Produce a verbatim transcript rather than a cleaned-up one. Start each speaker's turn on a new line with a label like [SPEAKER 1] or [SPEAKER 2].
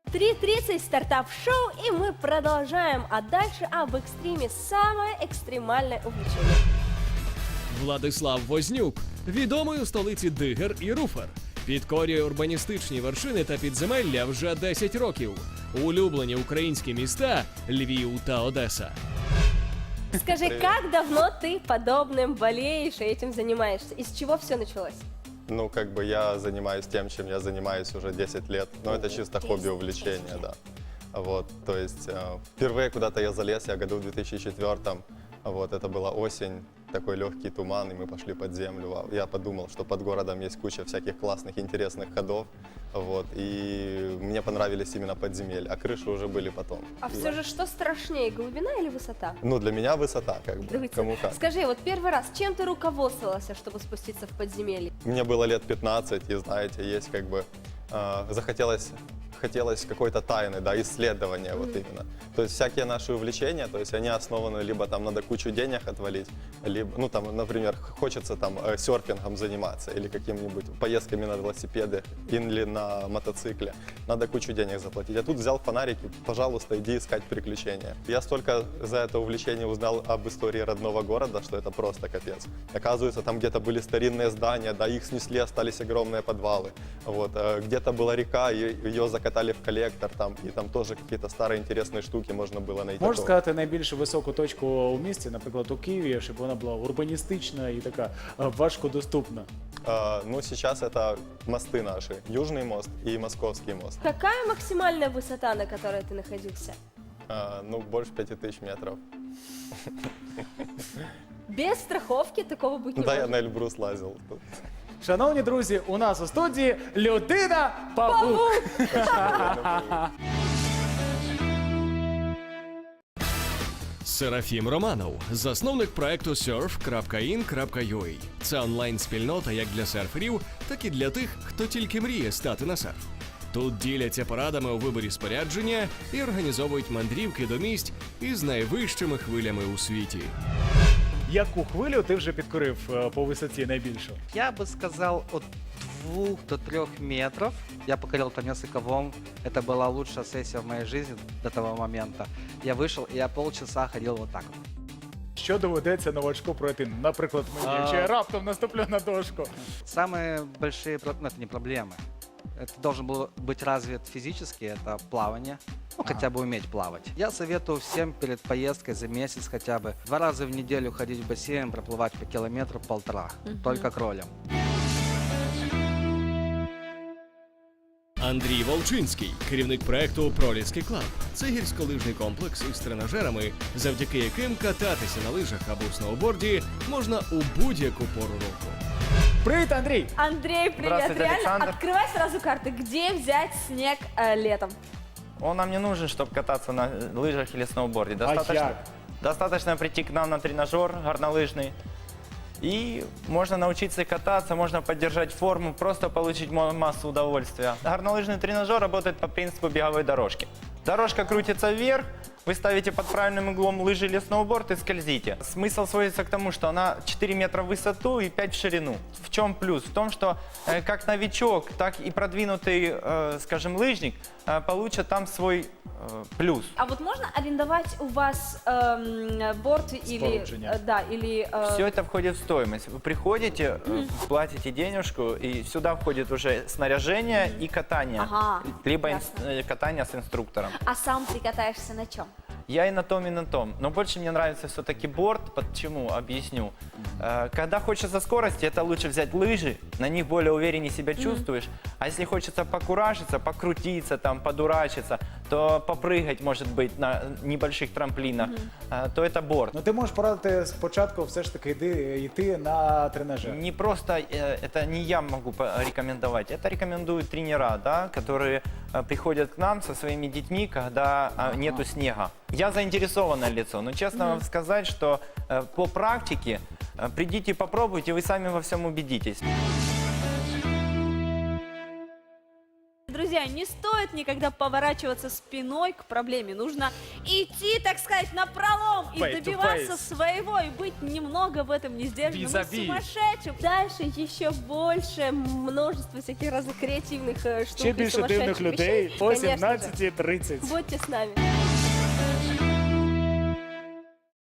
[SPEAKER 1] три тридцать стартап шоу, и мы продолжаем. А дальше об экстриме. Самое экстремальное увлечение.
[SPEAKER 2] Владислав Вознюк, відомий у столиці Дигер і Руфер. Підкорює урбаністичні вершини та підземелля вже десять років. Улюблені українські міста – Львів та Одеса.
[SPEAKER 1] Скажи, как давно ты подобным болеешь и этим занимаешься? Из чего все началось?
[SPEAKER 3] Ну, как бы я занимаюсь тем, чем я занимаюсь уже десять лет. Но это чисто хобби, увлечение, да. Вот, то есть э, впервые куда-то я залез, я году в две тысячи четвёртом. Вот, это была осень, такой легкий туман, и мы пошли под землю. Вау. Я подумал, что под городом есть куча всяких классных, интересных ходов. Вот, и мне понравились именно подземелья, а крыши уже были потом.
[SPEAKER 1] А все же что страшнее, глубина или высота?
[SPEAKER 3] Ну, для меня высота, как бы,
[SPEAKER 1] Давайте.
[SPEAKER 3] кому как.
[SPEAKER 1] Скажи, вот первый раз, чем ты руководствовался, чтобы спуститься в подземелье?
[SPEAKER 3] Мне было лет пятнадцать, и знаете, есть как бы э, захотелось хотелось какой-то тайны, да, исследования mm-hmm. вот именно. То есть всякие наши увлечения, то есть они основаны либо там надо кучу денег отвалить, либо, ну там, например, хочется там э, серфингом заниматься или какими-нибудь поездками на велосипеде или на мотоцикле. Надо кучу денег заплатить. А тут взял фонарики, пожалуйста, иди искать приключения. Я столько за это увлечение узнал об истории родного города, что это просто капец. Оказывается, там где-то были старинные здания, да, их снесли, остались огромные подвалы. Вот, э, где-то была река, ее закатали в коллектор, там, и там тоже какие-то старые интересные штуки можно было найти.
[SPEAKER 4] Можеш сказати найбільш високу точку у місті, наприклад, у Києві, щоб вона була урбаністична і така е, важкодоступна?
[SPEAKER 3] Э, ну, сейчас это мосты наши. Южный мост и Московский мост.
[SPEAKER 1] Какая максимальная высота, на которой ты находился?
[SPEAKER 3] Э, ну, больше пяти тысяч метров.
[SPEAKER 1] Без страховки такого быть не
[SPEAKER 3] Да, я
[SPEAKER 1] может.
[SPEAKER 3] на Эльбрус лазил. тут.
[SPEAKER 4] Шановні друзі, у нас у студії людина-павук.
[SPEAKER 2] Серафім Романов, засновник проекту серф крапка ін крапка ю а. Це онлайн-спільнота як для серферів, так і для тих, хто тільки мріє стати на серф. Тут діляться порадами у виборі спорядження і організовують мандрівки до місць із найвищими хвилями у світі.
[SPEAKER 4] Яку хвилю ти вже підкорив е, по висоті найбільшу?
[SPEAKER 5] Я бы сказал от двух до трех метров. Я покорил там несколько волн. Это была лучшая сессия в моей жизни до того момента. Я вышел, и я полчаса ходил вот так.
[SPEAKER 4] Що доведеться новачку пройти? Наприклад, мені,
[SPEAKER 5] А.
[SPEAKER 4] якщо я раптом наступлю на дошку.
[SPEAKER 5] Самые большие, про- ну это не проблемы. Это должен был быть развит физически, это плавание. Ну, хотя бы уметь плавать. Я советую всем перед поездкой за месяц хотя бы два раза в неделю ходить в бассейн, проплывать по километру-полтора. Только кролем.
[SPEAKER 2] Андрій Волчинський, керівник проекту «Проліски Клаб». Це гірськолижний комплекс із тренажерами, завдяки яким кататися на лижах або сноуборді можна у будь-яку пору року.
[SPEAKER 4] Привіт, Андрій!
[SPEAKER 1] Андрей, привет.
[SPEAKER 6] Здравствуйте,
[SPEAKER 1] Реально,
[SPEAKER 6] Александр.
[SPEAKER 1] открывай сразу карты. Где взять снег э, летом?
[SPEAKER 6] Он нам не нужен, чтобы кататься на лыжах или сноуборде.
[SPEAKER 4] А
[SPEAKER 6] Достаточно,
[SPEAKER 4] як?
[SPEAKER 6] достаточно прийти к нам на тренажер горнолыжный. И можно научиться кататься, можно поддержать форму, просто получить мо- массу удовольствия. Горнолыжный тренажер работает по принципу беговой дорожки. Дорожка крутится вверх, вы ставите под правильным углом лыжи или сноуборд и скользите. Смысл сводится к тому, что она четыре метра в высоту и пять в ширину. В чем плюс? В том, что э, как новичок, так и продвинутый, э, скажем, лыжник э, получат там свой э, плюс.
[SPEAKER 1] А вот можно арендовать у вас эм, борт или...
[SPEAKER 4] Спорудження.
[SPEAKER 1] э, да, или... э,
[SPEAKER 6] Все это входит в стоимость. Вы приходите, э, платите денежку, и сюда входит уже снаряжение и катание.
[SPEAKER 1] Ага,
[SPEAKER 6] Либо
[SPEAKER 1] ясно.
[SPEAKER 6] инс- э, катание с инструктором.
[SPEAKER 1] А сам ты катаешься на чем?
[SPEAKER 6] Я и на том, и на том. Но больше мне нравится все-таки борт. Почему? Объясню. Э, Когда хочется скорости, это лучше взять лыжи, на них более увереннее себя чувствуешь. А если хочется покуражиться, покрутиться, там, подурачиться, то попрыгать, может быть, на небольших трамплинах, э, то это борт.
[SPEAKER 4] Ну ти можеш порадити спочатку все ж таки йди, йти на тренажер.
[SPEAKER 6] Не просто, э, это не я могу порекомендовать, это рекомендуют тренера, да, которые э, приходят к нам со своими детьми, когда э, нету снега. Я заинтересованное лицо, но честно вам сказать, что э, по практике э, придите, попробуйте, вы сами во всем убедитесь.
[SPEAKER 7] друзья, не стоит никогда поворачиваться спиной к проблеме. Нужно идти, так сказать, напролом и
[SPEAKER 4] Face to
[SPEAKER 7] добиваться
[SPEAKER 4] face.
[SPEAKER 7] своего, и быть немного в этом не сдержанным и
[SPEAKER 4] Vis-a-vis.
[SPEAKER 7] сумасшедшим.
[SPEAKER 1] Дальше еще больше множество всяких разных креативных э, штук
[SPEAKER 4] Ще
[SPEAKER 1] и
[SPEAKER 4] більше
[SPEAKER 1] сумасшедших
[SPEAKER 4] дивних людей
[SPEAKER 1] вещей.
[SPEAKER 4] о
[SPEAKER 1] Конечно же.
[SPEAKER 4] сімнадцятій тридцять.
[SPEAKER 1] Будьте с нами.